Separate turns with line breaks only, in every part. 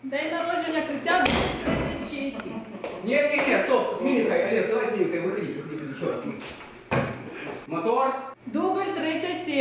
День народження Криття 36.
Не, стоп, с мимикой, Олег, давай с мимикой, выходи, еще раз. Мотор.
Дубль 37.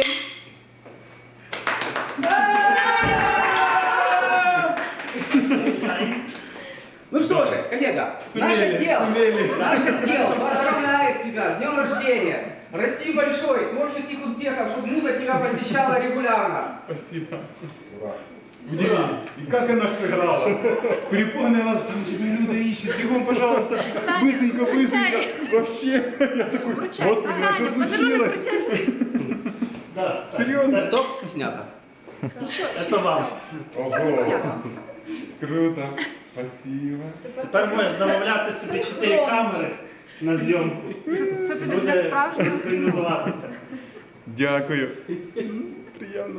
Ну что же, коллега, наше дело поздравляет тебя с днем рождения. Расти большой, творческих успехов, чтобы муза тебя посещала регулярно.
Спасибо. Удивили. И как она сыграла. Припомнила, там тебя Люда ищет. Бегом, пожалуйста. Быстренько. Вообще. Я такой, господи, а что случилось?
Да,
Серьезно?
Стоп, снято.
Это вам.
Ого. Круто. Спасибо.
Тепер можеш замовляти собі 4 камери на зйомку.
Це тобі для справжнього кіно.
Синхронізуватися.
Дякую. Приємно.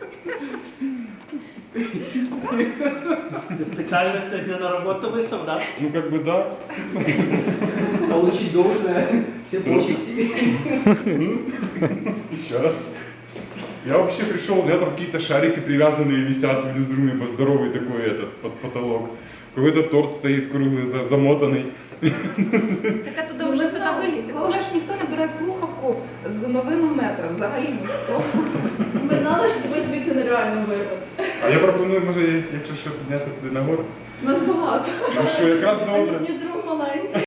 Ти спеціально сьогодні на роботу вийшов, так?
Ну как бы да.
Получить должное, все почести.
Еще раз. Я вообще пришел, у меня там какие-то шарики привязанные висят внизу, здоровый такой этот под потолок. Какой-то торт стоит круглый, замотанный.
Так а туди вже сюди вилізти. Головне ж ніхто не бере слухавку з новинного метра. Взагалі ніхто.
Ми знали, що тебе звідти нереально вирвати.
А я пропоную, може, якщо що, піднятися туди нагору.
Нас багато.
Ну що, якраз добре.
Ні з рук маленьких.